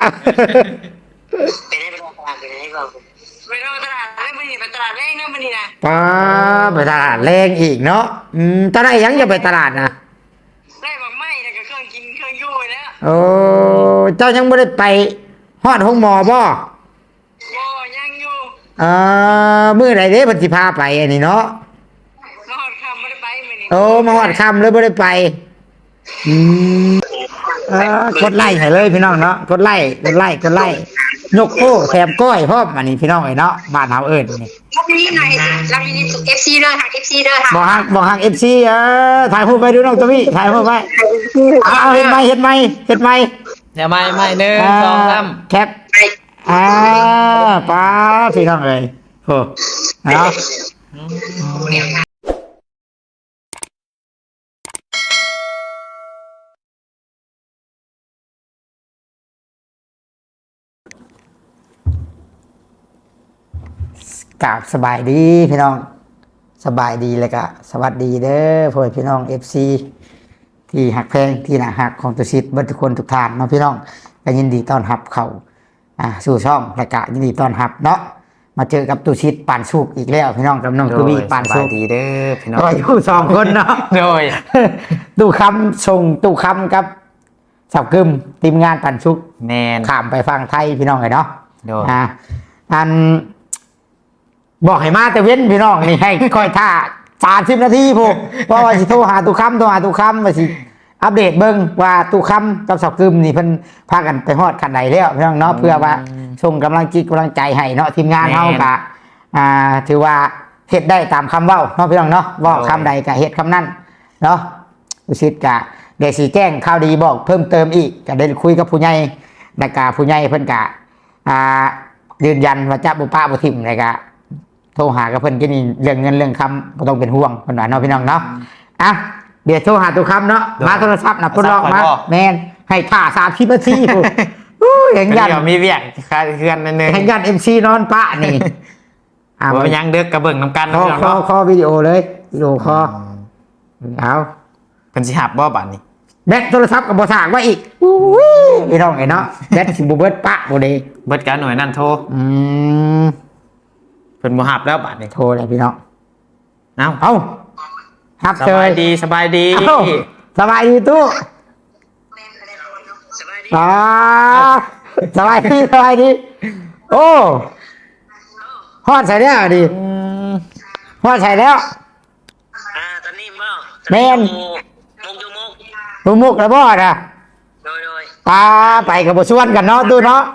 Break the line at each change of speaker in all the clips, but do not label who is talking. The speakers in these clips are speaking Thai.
ไปได้ไปตลาดไปได้ก่อนไปตลาดแล้วมันนี่ไปตลาดแรกเนาะมันนี่นะ
ป้าไปตลาดแรงอีกเนาะตอนไหนยังจะไปตลาดนะ
ได้บางไม้แล้วก็เครื่องกินเครื่องยู่แล้ว
โอ้เจ้ายังไม่ได้ไปฮอดห้องหมอบ่
ยังอยู่
มื้อไหนเด้เพิ่นสิพาไปอันนี้เนาะ
มาหอดคำไม่ได้ไปมื้อนี้
โอ้มาฮอดค่ำเลยบ่ได้ไปอืมกดไลค์ให้เลยพี่น้องเนาะกดไลค์ยกโป้แถมก้อยพร้อมอันนี้พี่น้องเอ้ยเนาะบ้านเฮาเอิ้นนี่
รับนี้หน่อยรับนี้FC เด้อค่ะ FC เด้อค่ะ
บ่ฮัก FC ถ่ายรูปไปดูน้องตะวิถ่ายรูปไว้เฮ็ดไหม
เดี๋ยวไม่1 2 3
แคปป้าพี่น้องเอ้ยโหเนาะกราบสบายดีพี่น้องสบายดีเลยก็สวัสดีเด้อพ่อพี่น้อง FC ที่หักแพงที่น่าหักของตุชิตเบิดทุกคนทุกท่านเนาะพี่น้องก็ยินดีต้อนรับเข้าสู่ช่องและก็ยินดีต้อนรับเนาะมาเจอกับตุชิตปานสุกอีกแล้วพี่น้องกับน้องตุบีปานสุก
ดีเด้อพี่น้อง
ก็อยู่2คนเนาะ
โดย
ตู้คำส่งตู้คำกับสับกึมทีมงานปานสุก
แมน
ข้ามไปฟังไทยพี่น้องเลยเนาะ
โดย
อันบอกให้มาแต่เว้นพี่น้องนี่ให้ค่อยท่า30 นาทีพวกเพราะว่าสิโทรหาตู้คำว่าสิอัปเดตเบิ่งว่าตู้คำกับสับกึมนี่เพิ่นพากันไปฮอดขั้นใดแล้วพี่น้องเนาะเพื่อว่าส่งกำลังใจให้เนาะทีมงานเฮาก็ถือว่าเฮ็ดได้ตามคำเว้าเนาะพี่น้องเนาะว่าคำใดก็เฮ็ดคำนั้นเนาะอุชิตก็ได้สิแจ้งข่าวดีบอกเพิ่มเติมอีกก็ได้คุยกับผู้ใหญ่แล้วก็ผู้ใหญ่เพิ่นก็ยืนยันว่าจะบ่ปะบ่ทิ่มเลยก็โทรหากับเพิ่นก็นี่เรื่องเงินเรื่องคำบ่ต้องเป็นห่วงเพิ่นว่าเนาะพี่น้องเนาะเดี๋ยวโทรหาตัวคำเนาะมาโทรศัพท์นะทดลองมาแมนให้ท่า30 นาทีเห็นยัน
มีเวียกคาเฮือนนั่นนึง
เห็นยัน MC นอนปะนี่
บ่ยังเด้อกระเบิ่งนำกัน
คอวิดีโอเลยวิดีโอคอเอา
เพิ่นสิหับบ่บัดนี้
แบตโทรศัพท์ก็บ่สร้างไว้อีกพี่น้องไอ้เนาะแบตสิบ่เบิดปะบ่ได้
เบิดกันหน่วยนั่นโทรเพิ่นบ่หับแล้วบัดนี้
โทรเลยพี่น้อง
เอา
ครับ
สบายดี
สบายดีตู้สบายดีโอ้ฮอดใส่แล้วดิฮอดใส่แล้ว
ตอนนี้บ่
แม่นมุกแล้วบ่น่ะโดยไปกับบ่ชวนกันเนาะตู้เนาะ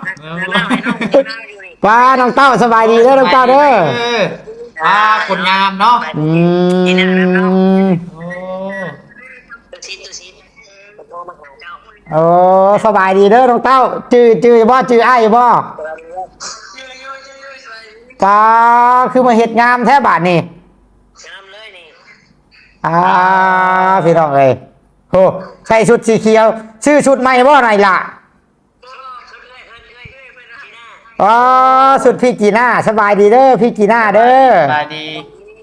น้องเต้าสบายดีเด้อน้องเต้าเด้อ
คนงามเนาะ
โอ้สบายดีเด้อน้องเต้าจื้อบ่จื้ออ้ายบ่คือมาเฮ็ดงามแท้บาดนี่งามเลยนี่พี่น้องเอ้ยโหใส่ชุดสีเขียวชื่อชุดใหม่บ่ไหนล่ะสุดพี่จีน่าสบายดีเด้อพี่จีน่าเด้อ
สบายดี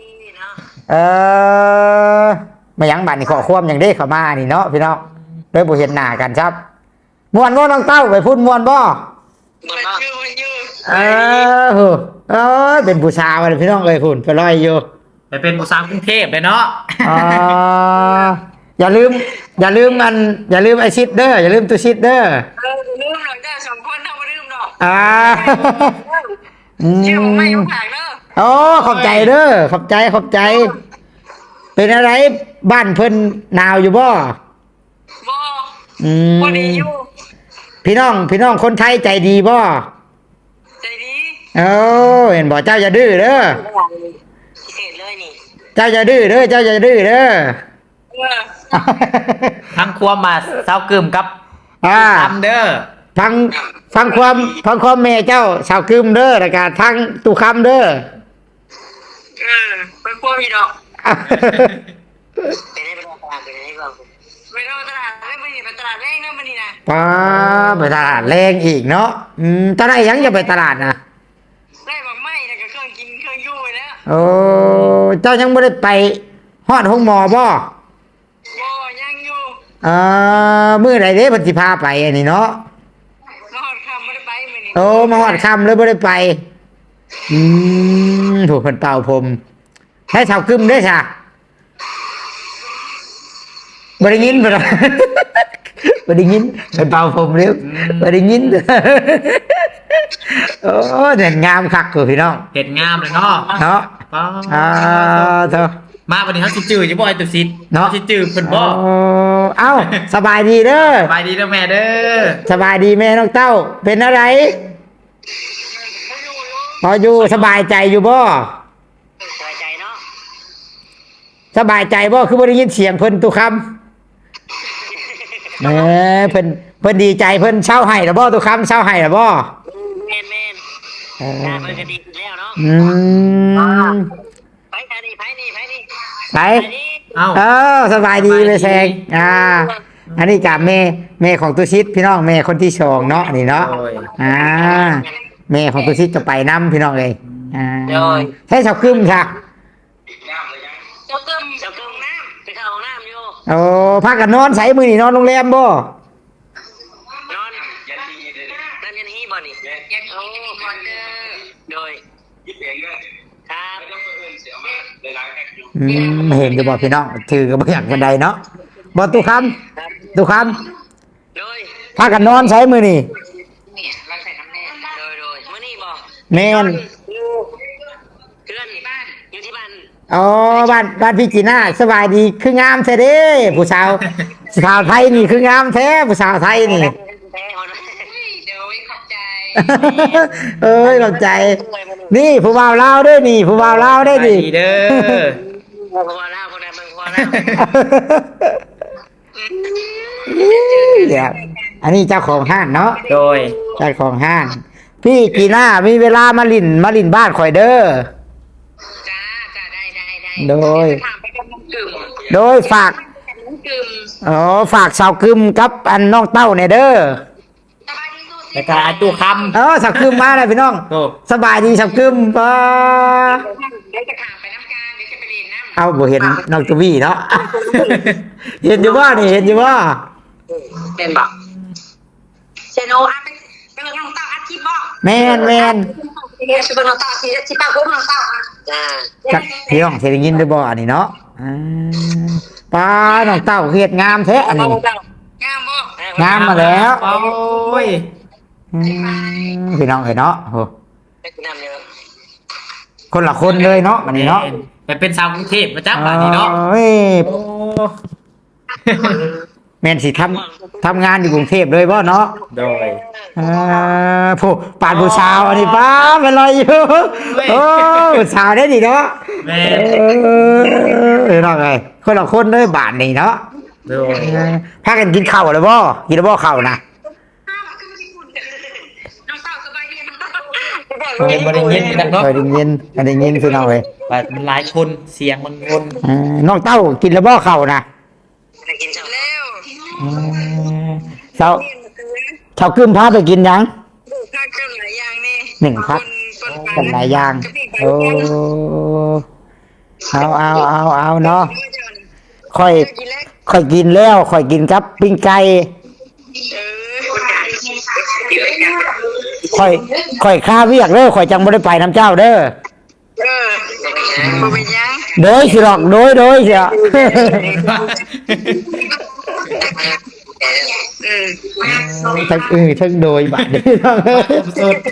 มายังบัดนี่ขอความอย่างเด้เข้ามานี่เนาะพี่น้องโดยบ่เห็นหน้ากันครับม่วนบ่น้องเต้าไปพูดม่วนบ่เป็นผู้สาวพี่น้องเอ้ยพุ่นไปลอยอยู่
ไปเป็นผู้สาวกรุงเทพเลยเนาะ
อย่าลืมไอชิดเด้ออย่าลืมตุชิดเด้อ
ลืมหรอกจ้า2 คนถ้าบ่ลืมดอก
ชื่อ
ผมไม่ต้องฝากเด้
อขอบใจเด้อขอบใจเป็นอะไรบ้านเพิ่นหนาวอยู่บ่
บ่ดีอยู่
พี่น้องคนไทยใจดีบ่
ใจดี
เห็นบ่เจ้าอย่าดื้อเด้อ
พิเศษเลยนี่
เจ้าอย่าดื้อเด้อ
ทั้งความมาเศร้ากึมกับทำเด้อ
ฟังความแม่เจ้าสาวกึมเด้อแล้วก็ทั้งตู้คำเด้อ
เป็นพวกพี่ดอกไปได้ไปตลาดไปได้ก่อนไปตลาดแล้วมันนี่ไปตลาดแรงนะมันนี่นะ
ไปตลาดแรงอีกเนาะตอนไหนยังจะไปตลาดนะ
ได้บางไม้แล้วก็เครื่องกินเครื่องยู่แล้ว
โอ้เจ้ายังไม่ได้ไปฮอดห้องหมอบ่
ยังอยู่
มื้อไหนเด้เพิ่นสิพาไปอันนี้เนาะ
ฮอดค่ำไม่ได้ไปมื้อนี้
โอ้มาหอดคำเลยบ่ได้ไปถูกคนเป่าผมให้สาวกึมด้วยจ้ะบ่ได้ยินบ่ล่ะ บ่ได้ยินเป็นเป่าผมเร็วบ่ได้ยิน โอ้เด่นงามคักกูพี่น้อง
เห็ดงามเลยเนาะ
เนาะ
ป้า
เถอะ
มาวันนี้เขาสิจื้ออยู่บ่ไอ้ตุ๊ซิด
เนาะ
เขาสิจื้อเพิ่นบ่
เอ้าสบายดีเด้อ
สบายดีเด้อแม่เด้อ
สบายดีแม่น้องเต้าเป็นอะไรพออยู่สบายใจอยู่บ่
สบายใจเนาะ
สบายใจบ่คือบ่ได้ยินเสียงเพิ่นตุคำเพิ่นดีใจเพิ่นเช่าให้ล่ะบ่ตุคำเช่าให้ล่ะบ่
แม่นงานมันก็ดีขึ้นแล้วเนาะ
อืม
ไปอันนี้ไปนี่
ไป
นี่
เอ้า
สบายดีเลยแซงอันนี้กับแม่ของตุชิตพี่น้องแม่คนที่สองเนาะนี่เนาะ
โอ้ย
แม่ของตุชิตจะไปนํพี่น้องเลยให้ชาวกึมค่ะ
เจ้าเกิมน้ำไปเข้าห้องน้ำอยู่
โอ้พักกันนอนใส่มือนี่นอนโรงแรมบ่
นอนนั่นยันฮีบ่นี่ยันฮีมอนเดอร์โดยครับ
เห็นจะบอกพี่น้องถือก็บ่อยากกันใดเนาะบ่ตุคำตุค
โดย
ำพักกันนอนใส่มือนี่
เนี่ยเราใส่น้ำแน่โดยมื้อนี้บ่
แม่น
เพื่อนบ้านอยู่ที่บ้าน
อ๋อบ้านพี่จีน่าสบายดีคืองามแท้เด้ผู้สาวไทยนี่คืองามแท้ผู้สาวไทยนี่
แท้คนเดี๋ยวขอบใจ
เอ้ยขอบใจ นี่ผู้บ่าวลาวเด้วยนี่ผู้บ่าวลาวได้
สบาย
ดิ
ดีเด้อ
พอแล้วคนใดมึงพอแล้ว
เดี๋ยวอันนี้เจ้าของห้างเนาะ
โดย
เจ้าของห้างพี่จีน่ามีเวลามาลินบ้านข่อยเด้อ
จ้าได้
โดย
ถามไปกับน้องกึ่ม
โดยฝาก
น้องกึ่ม
ฝากสาวกึมกับอันน้องเต้าเนี่ยเด้อ
สบายดีสู้สิ
แล้วก็ไอ้ตู้คำ
สาวกึมมาเลยพี่น้อง
โอ้
สบายดีสาวกึมป้า
เดี๋ยวจะถามไปน้ำการเดี๋ยวจะไปเรียนน้ำ
เอาบ่เห็นน้องตวี่เนาะ เห็นอยู่ว่านี่เห็นอยู่ว่า
เป็นบอกเชโนอ่ะไปเบิ่งน้องเต้าอัดคลิปบอก
แมน
ไปเบิ่งน้องเต้าที่ป้าคุ้มน้องเต้าอ่ะจ้า
กับพี่น้องเสียงยินด้วยบ่อันนี้เนาะป้าน้องเต้าเฮ็ดงามแท้อันนี้
งามบ่
งามมาแล้ว
โอ้ย
พี่น้องเห็นเนาะโห
ไปกินน้ำเยอะ
คนละคนเลยเนาะอันนี้เนาะ
ไปเป็นสาวกรุงเทพมาจับบ้านนี้เนาะ
เอ้ย
โอ้
แม่นสิทำงานอยู่กรุงเทพเลยบ่เนาะ
โดย
ผู้ปานผู้สาวอันนี้ป้าเป็นไรอยู่โอ้ผู้สาวได้ดีเนาะ
แม่
เห็นไงคนละคนเลยบาทนี่เนาะ
โดย
พากันกินข้าวเลยบ่กินแล้วบ่ข้าวนะ
น้องเต้าสบายดีน้องเต้า
บ่ได้ยินกันเนาะ
เคยได้ยินพี่น้องเลย
มันหลายคนเสียงมันวน
น้องเต้ากินแล้วบ่ข้าวนะ
ไปกินเร็ว
เช้ากึมพาไปกินยัง
ข้าวเครื่องหลายอย่างนี่
หนึ่งพักกันหลายอย่างโอ้เอาเนาะค่อยกินแล้วค่อยกินกับปิ้งไก่ค่อยข้าเวียกเด้อค่อยจังบ่ได้ไปน้ำเจ้าเด้อ
บ่เป็นยัง
โดยสิหรอกโดยเสีย ทั้งโดยบัดนี้
สุด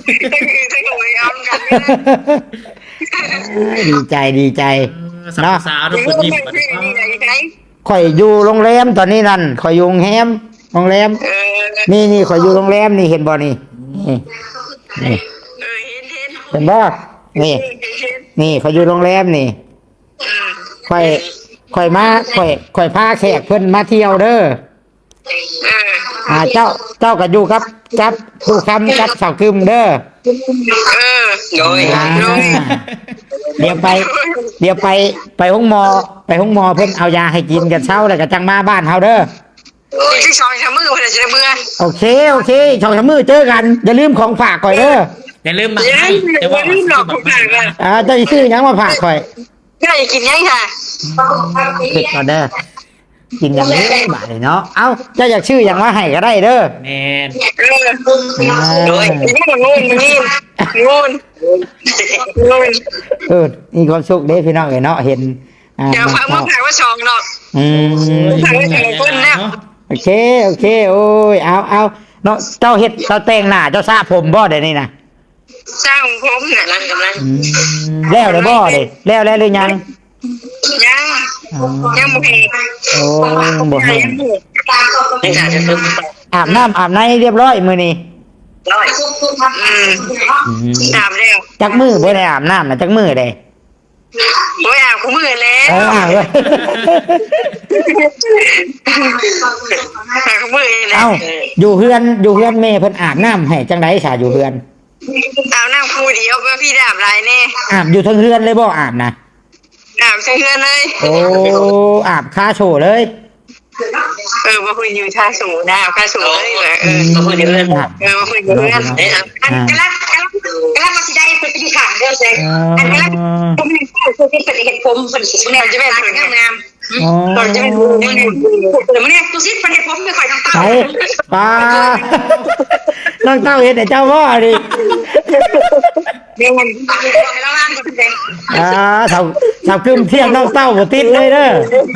ดีใจ
สาวสาวทุกคนยิ้มกัน
ข่อยอยู่โรงแรมตอนนี้นั่นข่อยอยู่โรงแรมนี่ข่อยอยู่โรงแรมนี่เห็นบ่นี่เห็นบ่นี่ข่อยอยู่โรงแรมนี่ข่อยพาแขกเพิ่นมาเที่ยวเด้อเจ้าก็อยู่กับผู้คำกับสาวกึมเด้อ
โดย
เดี๋ยวไปห้องหมอเพิ่นเอายาให้กินกันเช้าแล้วก็จังมาบ้านเฮาเด้อ
ที่ซอยทำมือเพื่อจะได้เมื่อ
โอเคช่องมือเจอกันอย่าลืมของฝากก่อยเด้อ
อย่าลืมมาให้แต่ว่า
เจ้าสิซื้อหยังมาฝากข่อย
ก็อยากกินยังค่ะ
คิดก่อนเด้อกินอย่างนี้บาดนี่เนาะเอ้าเจ้าอยากชื่ออย่างว่าให้ก็ได้เด้อ
แม่น
โดยงูน
มีความสุขเด้พี่น้องเอ้ยเนาะเห็น
เดี๋ยวฟังมึงถามว่าชองเนาะ
อืม
ถามว่าชองคนเนี่ย
โอเคโอ้ยเอาเนาะเจ้าเฮ็ดเจ้าแต่งหน้าเจ้าสระผมบ่เดี๋ยวนี้นะ
สร้างผมเนี่ยกำลัง
แล้วได้บ่เด้แล้วหรือยัง
ยังบ่เห็น
โอ้บ่เห็น
ไม่ขาดจะเพิ่ม
อาบน้ำอาบในเรียบร้อยมื้อนี้
ร้อยถามแล้ว
จักมือบ่ได้อาบน้ำนะจักมือเด้
โอ้ยอาบคู่มือแล้ว
อาบเลย
อาบคู่มือแล้ว
เอ้าอยู่เฮือนแม่เพิ่นอาบน้ำให้จังได๋ซะอยู่เฮือน
อาบน้ำคู่เดียวก็พี่อาบหลายแน่
อาบอยู่ทั้งเฮือนเลยบ่อาบนะ
อาบเชื่อเลย
โอ้อาบคาโชว์เลย
มาคุยอยู่ท่าสูงนะอาบท่าสูงเลยมาคุยเรื่องมาคุยเรื่องกำลังมาสิได้เป็นปีขาเดียวเลยอันกำลังผมเป็นเห็ดผมเป็นเนี่ยจะเป็นงามตอนจะเป็นเนี่ยตัวซิดเป็นเห็ดผมไม่ค่อยต้องตั้ง
ไปป้าน้องเต้าเฮ็ดให้เจ้าบ่ดิ
เดี๋ยวมันแล้วล่างก็เป็น
สาวกึมเที่ยงน้องเต้าบ่ติดเลยเด้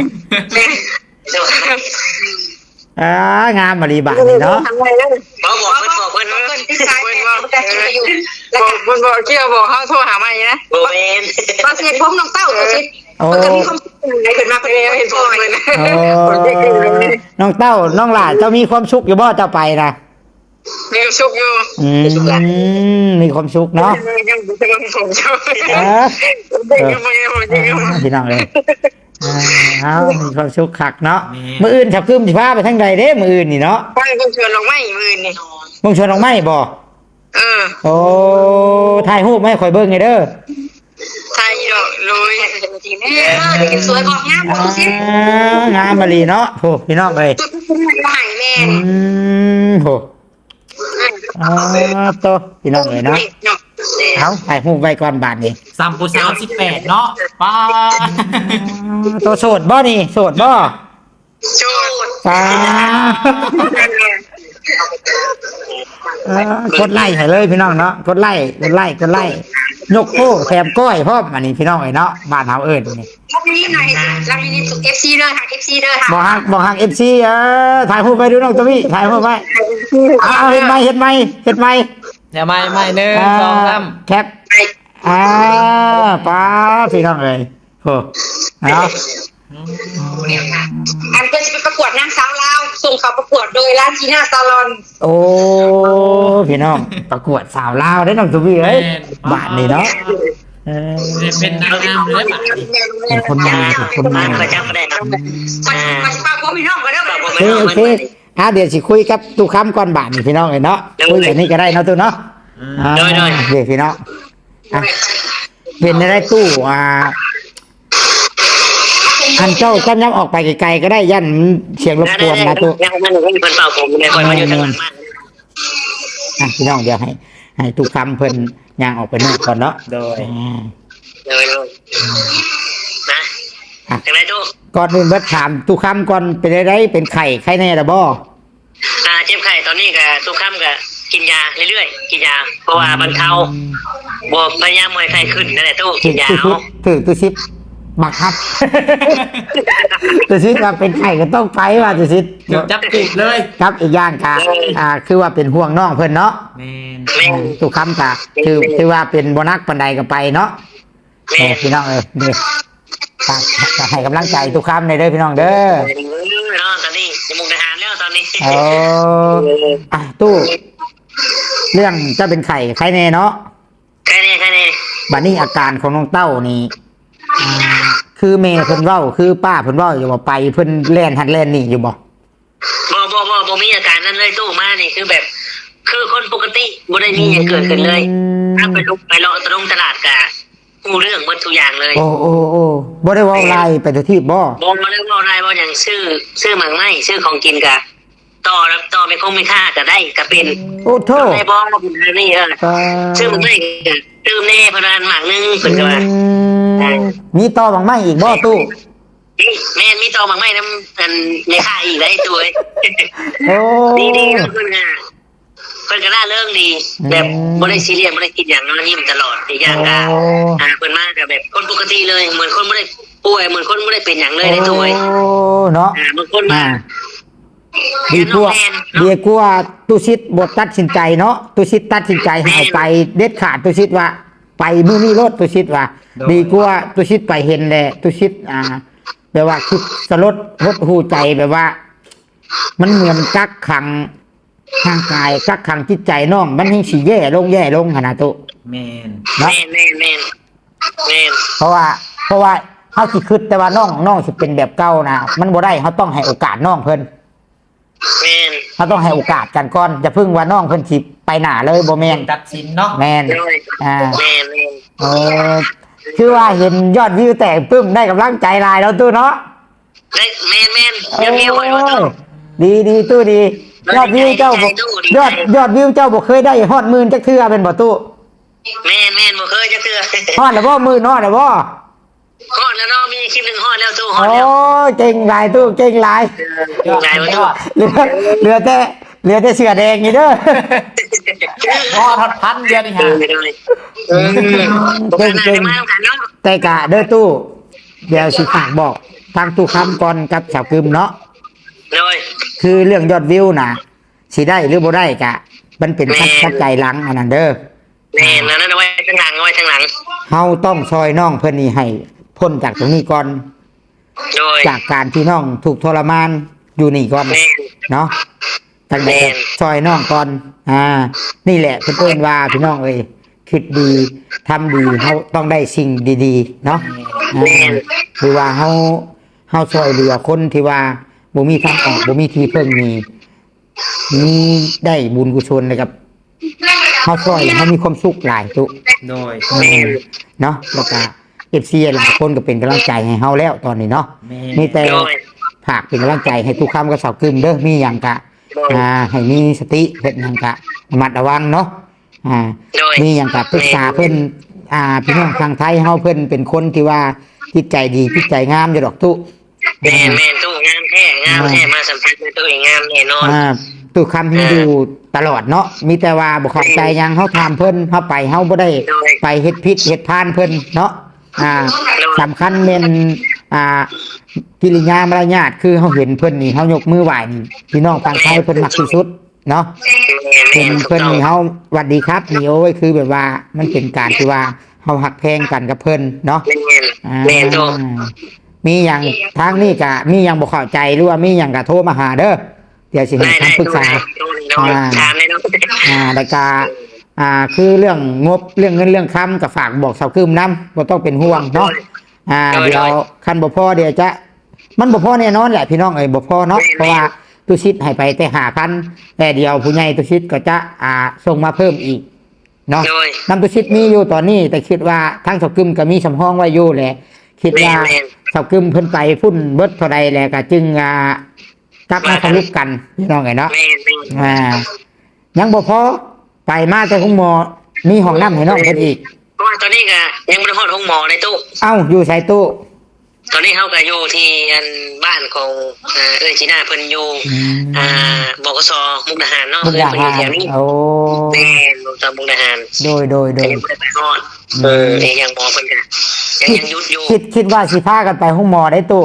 องามบริบาลนี่เนาะ
บอกเพิ่นที่ซ้ายเพิ่นบอกเกี่ยวบอกเขาโทรหาใหม่นะโบเมนตอนเสร็จผมน้องเต้าตัวชิดมันก็มีความสุขไหนเกิดมาเป็นเห็นพ่อเลยนะ
น้องเต้าน้องหลานเจ้ามีความสุขอยู่บ่เจ้าไปนะ
มีความสุขอยู่
มีความสุขเนาะ
ยังผมชอบ
พี่น้องเลยเอามีความสุขคักเนาะมื้ออื่นฉับคืมสิพาไปทางใดเด้มื้ออื่นนี่เนาะ
ไปคนชวนลงไม่มือนี่
มึงชวนน้องไม้บ่โอ้ถ่ายรูปให้ข่อยเบิ่งไงเด้อ
ไทยดอกลุยสวยบอกงามบอกสิ
งามมาลีเนาะโหพี่น้องเอ้ย
จุดเป็นใหม่แม่
โหโตพี่น้องเอ้ยเนาะเอาถ่ายรูปไว้ก่อนบาดนี้
ซัมปูสาว18เนาะป้า
โตโสดบ่นี่โสดบ่
โชด
สากดไล่ให้เลยพี่น้องเนาะกดไล่ยกโป้แถมก้อยพร้อมอันนี้พี่น้องเอ้ยเนาะบ้านเฮาเอิ้นนี่
รับนี้หน่อยรับนี้ถูก FC เด้อค่ะ FC เด้อค่ะ
บ่ฮัก FC ถ่ายรูปไปดูน้องตัวนี้ถ่ายรูปไปเอาเห็นไหม
เดี๋ยวไม่1 2 3
แคปป้าพี่น้องเอ้ยโหเอา
อันเพื่อนจะไปประกวดนางสาวลาวส่งเขาประกวดโดยร้านจีน่าซาลอน
โอ้พี่น้องประกวดสาวลาวได้น้องตัวนี้เอ้ยบ้านนี่เนาะ
เป็นนางงามเลยป่ะ
เป็นคนใหม่
จำไม่ได้นะมาป้าพ่อพี่น้องกันเด้อ
โอเคเดี๋ยวสิคุยกับตู้ค้ำก่อนบ้านนี่พี่น้องเอ้ยเนาะคุยแบบนี้ก็ได้เนาะตู้เนาะเดี๋ยวพี่น้องเป็นได้ตู้อันเจ้าก็ยับออกไปไกลๆก็ได้ยันเสียงรบกวนนะตู้
ยังมันเป็นเป่าผมเลยคอยมาอยู่ทางหลังมัน
พี่น้องเดี๋ยวให้ตู้ค้ำเพิ่นย่างออกไปนู่นก่อนเนาะ
โดย
เลยนะจังไรตู้
ก่อนอื่นเบิดถามตู้ค้ำก่อนเป็นได้เป็นไข้แน่ละบ่
เจ็บไข้ตอนนี้ก็ทุกค่ำก็กินยาเรื่อยๆกินยาเพราะว่าบรรเทาบวกพยายามไม่ไข้ขึ้นนั่นแหละตู้กินยา
ถือตู้ซิปบักครับตู้ซิปว่าเป็นไข้ก็ต้องไปว่าตู้ซิป
จับติดเลย
ครับอีกอย่างค่ะคือว่าเป็นห่วงน้องเพิ่นเนาะ
แม่น
ตู้ค้ำกะคือว่าเป็นบ่นักปานใดก็ไปเนาะพี่น้องเด้อให้กำลังใจตู้ค้ำในเด้อพี่น้องเด้อ
เนาะตอนนี้จมูกทหารแล้วตอนนี้
ตู้เรื่องจะเป็นไข้แน่เนาะ
ไข้แน่
บัดนี้อาการของน้องเต้านี่คือแม่เพิ่นเว้าคือป้าเพิ่นเว้าอยู่ว่าไปเพิ่นแล่นหันแล่นนี่อยู่บ่
บ่มีอาการนั้นเลยตู้มานี่คือแบบ คือคนปกติบ่ได้มีอย่างเกิดขึ้นเลยถ้าไปลุกไปเลาะตลาดกะฮู้เรื่องหมดทุกอย่างเลย
โอ้บ่ได้เว้าลายไปทุกที่บ่
ได้เว้าลายบ่อย่างซื้อหมังไม้ซื้อของกินกะต่อไม่คงไม่ค่าก็ได้ก็เป็น
โอ้โธ่
ได้บ่นี่ซื้อหมังไม้ตื่มแน่ประมาณหมักนึงเพิ่นก็ว่า
มีต่อบางไม้อีกบ่ตู้
มนี่แม่มีตองบางไม้น้ำอันในค่าอีกได้ตัว
โอ้
ดีเพิ่นน่ะเพิ่นก็น่าเรื่องดีแบบบ่ได้ซีเรียสบ่ได้คิดอย่างนั้นนี่มันตลอดอีกอย่างก็เพิ่นมาก็แบบคนปกติเลยเหมือนคนบ่ได้ป่วยเหมือนคนบ่ได้เป็นหยังเลยในตัว
โอ้เนาะ
บางคนมา
ดีกว่าดีกว่าตุชิตบทตัดสินใจเนาะตุชิตตัดสินใจให้ไปเด็ดขาดตุชิตว่า ไปมื้อนี้รถตุชิตว่า ดีกว่าตุชิตไปเห็นแหละตุชิตแบบว่าคิดสลดหดหูใจแบบว่า มันเหมือนกักขังร่างกายกักขังจิตใจน้องมันยิ่งสิแย่ลงขนาดตุ
แมน
เนาะ
แม่น
เพราะว่าเฮาสิคิดแต่ว่าน้องสิเป็นแบบเก่านะมันบ่ได้เฮาต้องให้โอกาสน้องเพิ่น
แม่น
เขาต้องให้โอกาสกันก่อนอย่าพึ่งว่าน้องเพิ่นสิไปหน้าเลยบ่แม่น
ตัดสินเนาะ
แม่น
แม่น
เออคือว่าเห็นยอดวิวแตกปึ้มได้กำลังใจหลายแล้วตู้เนาะ
ได้แม่นยังมีหอยว่าต้อง
ดีตู้ดียอดวิวเจ้าบ่ยอดวิวเจ้าบ่เคยได้ฮอดหมื่นจักเทื่อเป็นบ่ตู้
แม่นบ่เคยจะเตือ
ฮอดแล้วบ่หมื่นฮอดแล้วบ่
ฮอดแล้วเนาะมีคลิปนึงฮอดแล้วตู้ฮอ
โอ้
ดแล้ว
เก่งหลายตู้เก่งหลาย
ใหญ่บ่ตู้
เหลือแต่เสื้อแดงนี่เด้อ
พอทอดพันเดียวนี่ฮะ
เก่งมาต้องกันเนาะ
แต่กะเด้อตู้เดี๋ยวสิฝากบอกทางตู้คำก่อนกับสาวกึมเนาะ
เลย
คือเรื่องยอดวิวนะสิได้หรือบ่ได้กะ มันเป็นปัจจัยหลังอันนั้นเด้อ
แม่นนั่นเอาไว้ข้างหลังเอาไว้ข้างหลัง
เฮาต้องซอยน้องเพิ่นนี่ให้พ้นจากตรงนี้ก่อน
โดย
จากการที่น้องถูกทรมานอยู่นี่ก่อน
แม่น
เนาะตั้งแต่
แม่น
ซอยน้องก่อนนี่แหละเพิ่นว่าพี่น้องเอ้ยคิดดีทำดีเฮาต้องได้สิ่งดีๆเนาะคือว่าเฮาช่วยเหลือคนที่ว่าบ่มีทางออกบ่มีที่พึ่งมีได้บุญกุศลเลยกับเฮาช่วยเฮามีความสุขหลายตุ
โดย
เนาะแล้วก็ FC หลายคนก็เป็นกำลังใจให้เฮาแล้วตอนนี้เนาะ
แม่
มีแต่
โดย
ฝากเป็นกำลังใจให้ทุกคำกับสาวกึมเด้อมีหยังกะให้มีสติเฮ็ดหยังกะระมัดระวังเนาะมีหยังกะปรึกษาเพิ่นพี่น้องทางไทยเฮาเพิ่นเป็นคนที่ว่าจิตใจดีจิตใจงามอยู่ดอกตุ
แม่นตู้งามแท้มาสัมผัสในตัวเองงามแน่นอน
ตู้คำที่อยู่ตลอดเนาะมีแต่ว่าบ่เข้าใจหยังเฮาถามเพิ่นเฮาไปเฮาบ่ได้ไปเฮ็ดผิดเฮ็ดพลาดเพิ่นเนาะสำคัญแม่นกิริยามารยาทคือเฮาเห็นเพิ่นนี่เฮายกมือไหว้นี่พี่น้องฝั่งไทยเพิ่นมักที่สุดเนาะเพิ่นนี่เฮาหวัดดีครับนี่โอ้ยคือแบบว่ามันเป็นการที่ว่าเฮาฮักแพงกันกับเพิ่นเนาะ
แม่นตู้
มีหยังทางนี้ก็มีหยังบ่เข้าใจหรือว่ามีหยังก็โทรมาหาเด้อเดี๋ยวสิให้คำปรึกษา
ถามเลยเนาะ
แล้วก็คือเรื่องงบเรื่องเงินเรื่องคำก็ฝากบอกสาวกึมนำบ่ต้องเป็นห่วงเนาะเดี๋ยวคันบ่พอเดี๋ยวจะมันบ่พอแน่นอนแหละพี่น้องเอ้ยบ่พอเนาะเพราะว่าตุชิดให้ไปแต่5,000แต่เดี๋ยวผู้ใหญ่ตุชิดก็จะส่งมาเพิ่มอีกเนาะนำตุชิดมีอยู่ตอนนี้แต่คิดว่าทางสาวกึมก็มีสำรองไว้อยู่แหละคิดว่าสาวกึมเพิ่นไปพุ่นเบิดเท่าใดแหละก็จึงกลับมาทะลุกันพี่น้องเอ้ยเนาะยังบ่พอไปมาแต่ของหมอมีห้องน้ำให้น้องเพิ่นอีก
เพราะว่าตอนนี้ก็ยังไม่ได้ฮอดห้องหมอในตู้
เอ้าอยู่ใส่ตู้
ตอนนี้เขาก็อยู่ที่อันบ้านของจีน่าเพิ่นอยู่บกสมุกดาหารเนาะ
มุกดา
เพิ่นอ
หาร
ยู่แถวนี้
โอ้
แม่มุกดาหาร
โดย
แต่ยังไม่ได้ไปฮอดยังหมอเพิ่นก็ยังยุดอยู่
คิดว่าสิพากันไปห้องหมอได้ตู้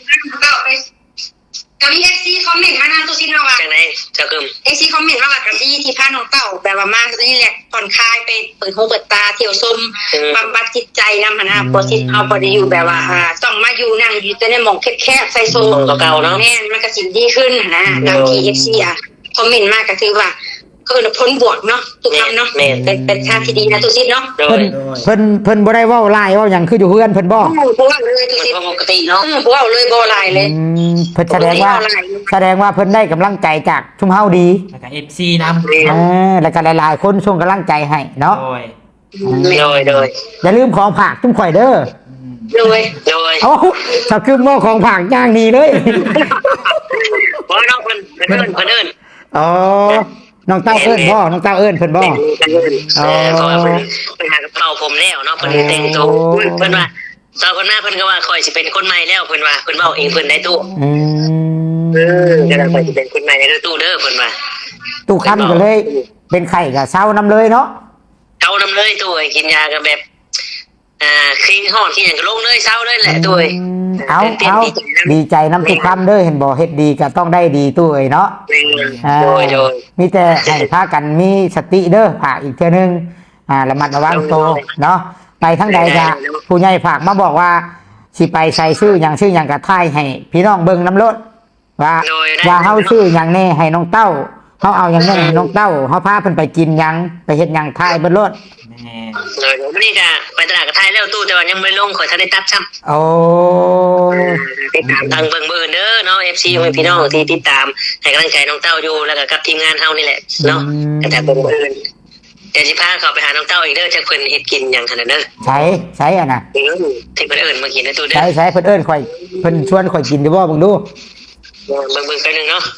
ก็มีเอฟซีคอมเมนต์มานะตัวซีนว่า
จังไหนเจ้ากึม
เอฟซีคอมเมนต์ว่ากับที่พาน้องเต่าแบบว่ามานี่แหละผ่อนคลายไปเปิดหูเปิดตาเที่ยวชมบำบัดจิตใจนำนะพอที่เฮาบ่ได้อยู่แบบว่าต้องมาอยู่นั่งอยู่แต่ในหม่องแคบๆใส่โซ
เก่าๆเนาะ
แม่นมันก็สิดีขึ้นนะตามที่ FC คอมเมนต์มาก็คือว่าก็เป็นผลบวกเนาะทุกคำเนาะเป็นทางที่ดีนะตัวซีเนาะ
โด
เพิ่นบ่ได้เว้าหลายเว้าหยังคืออยู่เฮือนเพิ่นบ่
บ่ว่าเลยตัวซี
ปกติเนาะ
บ่ว่าเลยบ่หลายเลย
เพิ่นแสดงว่าเพิ่นได้กำลังใจจากชุมเฮาดี
แล้วก็ FC นำ
แล้วก็หลายๆคนส่งกำลังใจให้เนาะ
โดย
อย่าลืมของฝากทุกข่อยเด้อ
โดย
เอ้าถ้าคือหม้อของฝากย่างนี้เลย
เพราะน้องเพิ่นเอิ้น
อ๋อน้องเต้าเอิ้นบ่น้องเต้าเอิ้นเพิ่นบ่
เพราะว่าเพิ่นหากระเป๋าผมแล้วเนาะเพิ่นแต่งตัวเพิ่นว่าตอนคนหน้าเพิ่นก็ว่าคอยสิเป็นคนใหม่แล้วเพิ่นว่าเพิ่นเว้าเองเพิ่นได้ตู้
อืม
ก็ได้คอยสิเป็นคนใหม่ในตู้เด้อเพิ่นว่า
ตู้คำก็เลยเป็นไข่กับเศร้าน้ำเลยเนาะ
เช้านำเลยตู้ไอ้กินยาก็แบบคลีนฮอดที่หยังก็ลงเลยเช้าเลยแหละตู้
เอาดีใจน้ำทุกคำเด้อเห็นบ่เฮ็ดดีก็ต้องได้ดีตู้เอ้ยเนาะ
โดยโดย
มีแต่ให้พากันมีสติเด้อฝากอีกเทื่อนึงระมัดระวังตัวเนาะไปทั้งใดก็ผู้ใหญ่ฝากมาบอกว่าสิไปใส่ชื่อหยังก็ทายให้พี่น้องเบิ่งน้ำรถว่าเฮาชื่อหยังแน่ให้น้องเต้าเฮาเอาหยังแน่ให้น้องเต้าเฮาพาเพิ่นไปกินหยังไปเฮ็ดหยังทายเบิ่งรถ
เลยวันนี้ก็ไปตลาดกับไทยแล้วตู้แต่ว่ายังไม่ลงขอทันได้ตัดซ้ำ
โอ้
ติดตามทางเบิ่งมือเด้อเนาะ FC ของพี่น้องที่ติดตามให้กำลังใจน้องเต้าอยู่แล้วก็กับทีมงานเฮานี่แหละเนาะแต่เบิ่งมืออื่นเดี๋ยวสิพาเขาไปหาน้องเต้าอีกเด้อจักเพิ่นเฮ็ดกินหยังคั่นน่ะเด้อ
ใช้อ่ะนะ
ที่เพิ่นเอิ้นมากินนะตู้เด้อ
ใช้เพิ่นเอิ้นข่อยเพิ่นชวนข่อยกินอยู่บ่เบิ่งดู
เบิ่งไปนึงเนาะ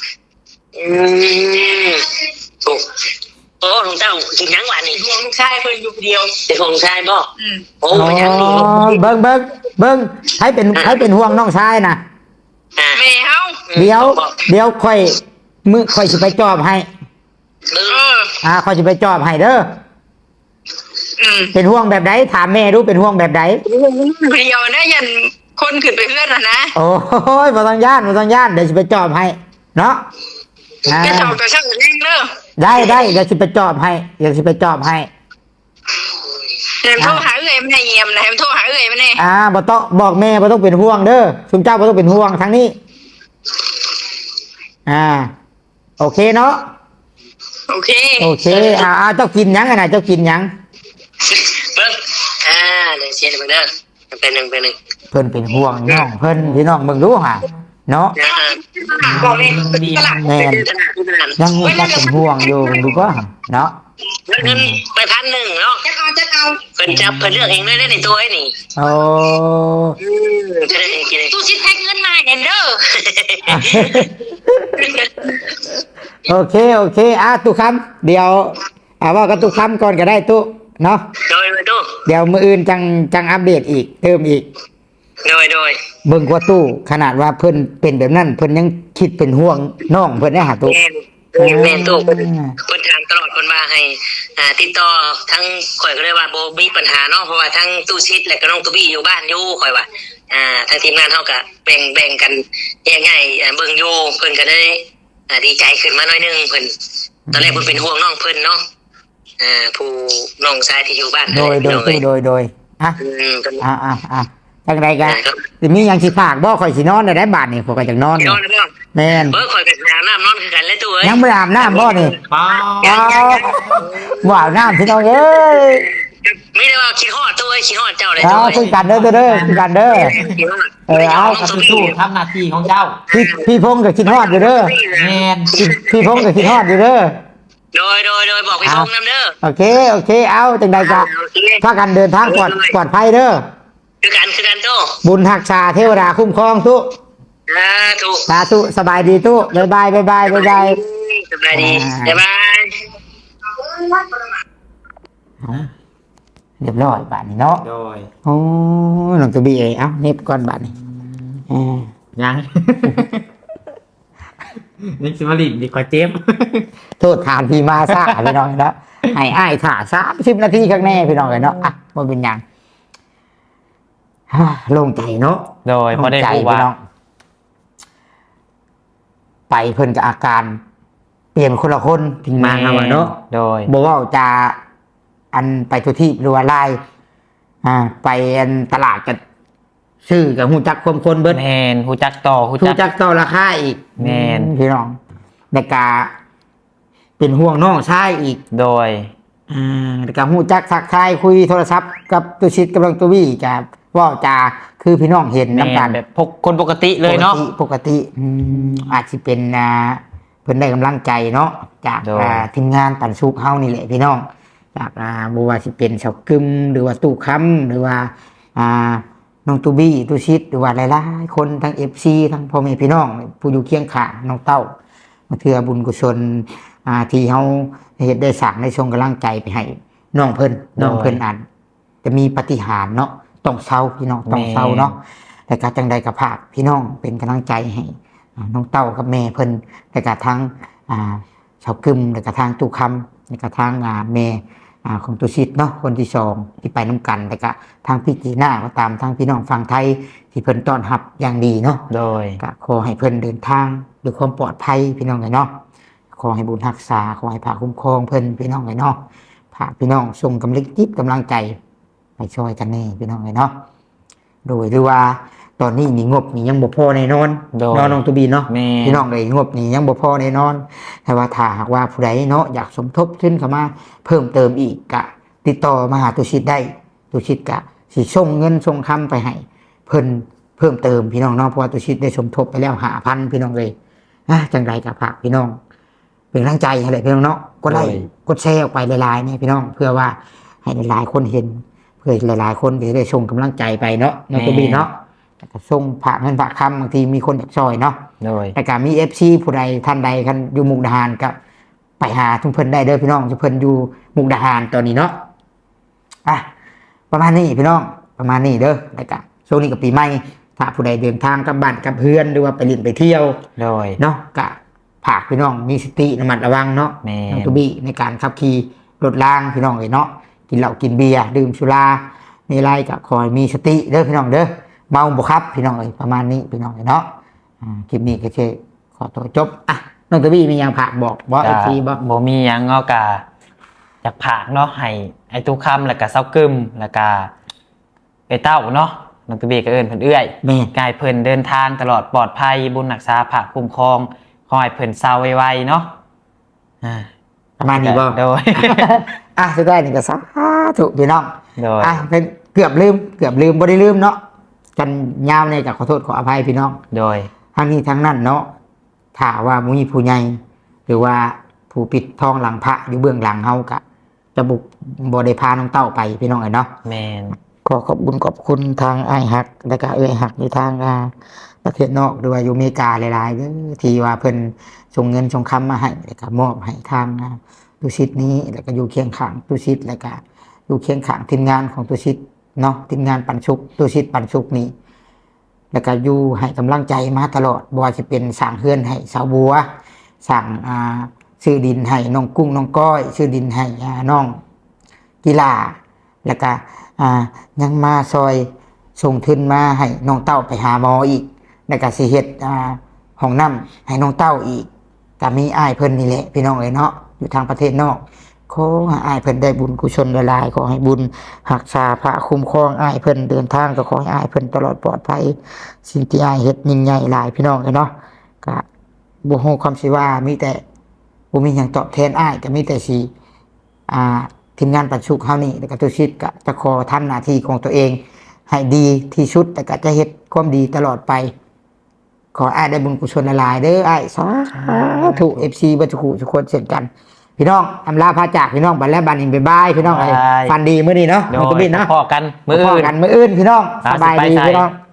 โอ้น้องเต้ากินหยังหวานนี่ลูกชายเพิ่นอยู่เดียวเป็นของชายบ่โอ้มันยังนี่
เบิ่งให้เป็นห่วงน้องชายน่ะ
แม่เฮา
เดี๋ยวค่อยสิไปจอบให้ ค่อยสิไปจอบให้เด้อเป็นห่วงแบบใดถามแม่ดูเป็นห่วงแบบใด
เดียวนะยันคนขึ้นไปเพื่อนนะ
โอ้ยบ่ต้องย่านเดี๋ยวสิไปจอบให้เนาะ
จะจอบแต่ช่างเองเด้อ
ได้เดี๋ยวสิไปจอบให้
แหมโทรหาเอ้ยไม่ได้เยี่ยมนะแหมโทรหาเอ้ยไม่ได้
บ่ต้องบอกแม่บ่ต้องเป็นห่วงเด้อซุมเจ้าบ่ต้องเป็นห่วงทั้งนี้โอเคเนาะ
โอเค
เจ้ากินหยังน่ะเจ้ากินหยัง
เบิ่งเดี๋ยวเสียเบิ่งเด้อเป็นหนึ่ง
เพิ่นเป็นห่วงน้องเพิ่นพี่น้องเบิ่งดูห่าเนาะ
บอกเลยตลาด
แม่นยังเป็นห่วงอยู่ดูบ่เนาะ
เงินไป1,000เนาะ
จะเอา
เพิ่นเลือกเองเลยในตัวไอ้นี่
โอ้
ตู้ชิดแท็กเงินมาเด้อ
โอเคตู้คำเดี๋ยวว่ากับตู้คำก่อนก็ได้ตู้เนาะ
โดยตู้
เดี๋ยวมื้ออื่นจังอัปเดตอีกเติมอีก
โดย
เบิ่งกว่าตู้ขนาดว่าเพิ่นเป็นแบบนั้นเพิ่นยังคิดเป็นห่วงน้องเพิ่นได้หาตู้
แม่ตู้เพิ่นถามตลอดเพิ่นมาให้ติดต่อทั้งข่อยก็เลยว่าบ่มีปัญหาเนาะเพราะว่าทั้งตู้ชิดและก็น้องตู้บี้อยู่บ้านอยู่ข่อยว่าทางทีมงานเฮาก็แบ่งกันแยกง่ายเบิ่งอยู่เพิ่นก็ได้ดีใจขึ้นมาหน่อยนึงเพิ่นตอนแรกเพิ่นเป็นห่วงน้องเพิ่นเนาะผู้น้องชายที่อยู่บ้าน
โดยจังไดกันสิมีหยังสิฝากบ่ข่อยสินอนได้บาดนี่ข่อยก็จังนอนแม่น
ข่อยก็อาบน้ำนอนคือกันเลยตู้เอ้ย
ยังบ่อาบน้ำบ่นี่บ่อาบน้ำพี่น้องเอ้ย
ไม่ได้ว่าคิดฮอดตู้เอ้ยคิดฮอดเจ้าเลย
คุยกันเด้อคุยกันเด้อ
เอาสู้ทำหน้าที่ของเจ้า
พี่พงษ์ก็คิดฮอดอยู่เด้อ
แม่น
พี่พงษ์ก็คิดฮอดอยู่เด้อ
โดยบอกพี่พงษ์นำเด้อ
โอเคเอาจังใดก็พากันเดินทางปลอดภัยเด้อ
คือกันตู้
บุญรักษาเทวดาคุ้มครองตู้สาธุสบายดีตู้บ๊ายบาย
สบายดีบ๊ายบาย
เรียบร้อยบาทนี้เนาะโอ้หลังตัวบีเอ้าเน็บก่อนบาทนี้
ยังนี่สิมาลินดีกว่าเจม
โทษทานพี่มาซ่าพี่น้องเนาะให้อ้ายถ่า30 นาทีข้างแน่พี่น้องเลยเนาะมันเป็นยังโล่งใจเนาะ
โดยพอได้รู้ว่า
ไปเพิ่นกับอาการเปลี่ยนคนละคนถึงมาเนาะ
โดย
บอกว่าจะอันไปทุทีหรือว่าไล่ไปอันตลาดกับชื่อกับหูจักความคนเบิด
แมนหูจักต่อ
ราคาอีก
แมน
พี่น้องในกาเป็นห่วงน้องชายอีก
โดย
ในกาหูจักทักทายคุยโทรศัพท์กับตุชิดกับตุวี่กับว่าจะคือพี่น้องเห็นน้ำตาล
แบบคนปกติเลยเนาะ
ปกติอาจจะเป็นเพิ่นได้กำลังใจเนาะจากทีมงานปันสุกเฮานี่แหละพี่น้องจากบัวสิเป็นเสากึมหรือว่าตู้ค้ำหรือว่าน้องตูบี้ตูชิดหรือว่าหลายๆคนทั้ง FC ทั้งพ่อแม่พี่น้องผู้อยู่เคียงข้างน้องเต้ามาเทื่อบุญกุศลที่เฮาเฮ็ดได้สร้างได้ส่งกำลังใจไปให้น้องเพิ่นอันจะมีปาฏิหาริย์เนาะต้องเศร้าพี่น้องต้องเศร้าเนาะแต่ก็จังใดกับภาคพี่น้องเป็นกำลังใจให้น้องเต้ากับแม่เพิ่นแต่ก็ทั้งชาวกึมแต่ก็ทางตู้คำแต่ก็ทางแม่ของตุชิตเนาะคนที่สองที่ไปน้ำกันแต่ก็ทางพี่จีน่าก็ตามทางพี่น้องฝั่งไทยที่เพิ่นต้อนรับอย่างดีเนาะ
โดย
ก็ขอให้เพิ่นเดินทางด้วยความปลอดภัยพี่น้องเนาะขอให้บุญรักษาขอให้พระคุ้มครองเพิ่นพี่น้องเนาะพระพี่น้องส่งกำลังจิตกำลังใจไปช่วยกันนี่พี่น้องเนาะโดยหรือว่าตอนนี้นี่งบนี่ยังบ่พอแน่นอนน้องตุบีเนาะพี่น้องเลยงบนี่ยังบ่พอแน่นอนแต่ว่าถ้าหากว่าผู้ใดเนาะอยากสมทบทุนเข้ามาเพิ่มเติมอีกก็ติดต่อมาหาตุชิตได้ตุชิตก็สิส่งเงินส่งคำไปให้เพิ่นเพิ่มเติมพี่น้องเนาะเพราะว่าตุชิตได้สมทบไปแล้ว5,000พี่น้องเลยจังไรกับฝากพี่น้องเป็นกำลังใจให้เลยพี่น้องเนาะกดไลค์กดแชร์ออกไปหลายๆเนี่ยพี่น้องเพื่อว่าให้หลายๆคนเห็นเพื่อหลายๆคนจะได้ส่งกำลังใจไปเนาะน้องตุบีเนาะส่งผ่าเงินผ่าคำบางทีมีคนอยากซอยเนาะแต่ก็มี FC ผู้ใดท่านใดกันอยู่มุกดาหารก็ไปหาทุกเพิ่นได้เด้อพี่น้องทุกเพิ่นอยู่มุกดาหารตอนนี้เนาะประมาณนี้พี่น้องประมาณนี้เด้อแต่ก็ช่วงนี้กับปีใหม่ถ้าผู้ใดเดินทางกลับบ้านกับเพื่อนหรือว่าไปเล่นไปเที่ยวเนาะก็ฝากพี่น้องมีสติระมัดระวังเนาะน้องตุบี้ในการขับขี่รถล่างพี่น้องเนาะกินเหล้ากินเบียร์ดื่มสุราในไรก็คอยมีสติเด้อพี่น้องเด้อเมาบ่ครับพี่น้องประมาณนี้พี่น้องเนาะคลิปนี้ก็จะขอตัวจบน้องตุบี้มียังผักบอกไอที
บ่มียังก็กะจากผักเนาะให้ไอ้ตู้คำแล้วก็เซากึมแล้วก็ไอ้เต้าเนาะน้องตุบี้ก็เอิ้นเพิ่นเอื้อยกายเพิ่นเดินทางตลอดปลอดภัยบุญรักษาพระคุ้มครองขอให้เพิ่นเศร้าไวๆเนาะ
ประมาณนี้บ่
โดย
สุดท้ายนี่ก็สาธุพี่น้อง
โดย
เป็นเกือบลืมบ่ได้ลืมเนาะกันยาวเนี่ยก็ขอโทษขออภัยพี่น้อง
โดย
ทั้งนี้ทั้งนั้นเนาะถ้าว่ามีผู้ใหญ่หรือว่าผู้ปิดทองหลังพระอยู่เบื้องหลังเฮาก็จะบุกบ่ได้พาน้องเต้าไปพี่น้องเนาะ
แม่น
ขอขอบคุณทางอ้ายฮักและก็เอ้ยฮักอยู่ทางประเทศนอกหรือว่าอยู่อเมริกาหลายๆเด้อที่ว่าเพิ่นส่งเงินส่งคำมาให้แล้วก็มอบให้ทางตุชิตนี้แล้วก็อยู่เคียงข้างตุชิตแล้วก็อยู่เคียงข้างทีมงานของตุชิตเนาะทีมงานปันสุขตุชิตปันสุขนี้แล้วก็อยู่ให้กำลังใจมาตลอดบ่ว่าจะเป็นสร้างเฮือนให้สาวบัวสร้างซื้อดินให้น้องกุ้งน้องก้อยซื้อดินให้น้องกีฬาแล้วก็ยังมาซอยส่งทุนมาให้น้องเต้าไปหาหมออีกแล้วก็สิเฮ็ดห้องน้ำให้น้องเต้าอีกก็มีอ้ายเพิ่นนี่แหละพี่น้องเนาะอยู่ทางประเทศนอกขอให้อ้ายเพิ่นได้บุญกุศลหลายๆขอให้บุญรักษาพระคุ้มครองอ้ายเพิ่นเดินทางก็ขอให้อ้ายเพิ่นตลอดปลอดภัยสิ่งที่อ้ายเฮ็ดยิ่งใหญ่หลายพี่น้องเนาะก็บ่ฮู้คำสิว่ามีแต่บ่มีหยังตอบแทนอ้ายก็มีแต่สิทีมงานปันสุขเฮานี่แล้วก็ตุชิตก็จะขอทำหน้าที่ของตัวเองให้ดีที่สุดแต่ก็จะเฮ็ดความดีตลอดไปขออ้ายได้บุญกุศลหลายๆเด้ออ้ายสาธุ FC บัดทุกคนเช่นกันพี่น้องอำลาพาจากพี่น้องบัดแล้วบัดนี้บ๊ายบายพี่น้องฟันดีมื้อนี้เนาะ
น้องตุบี้เนาะพอกันมื้ออื่น
พี่น้องสบายดีพี่น้อง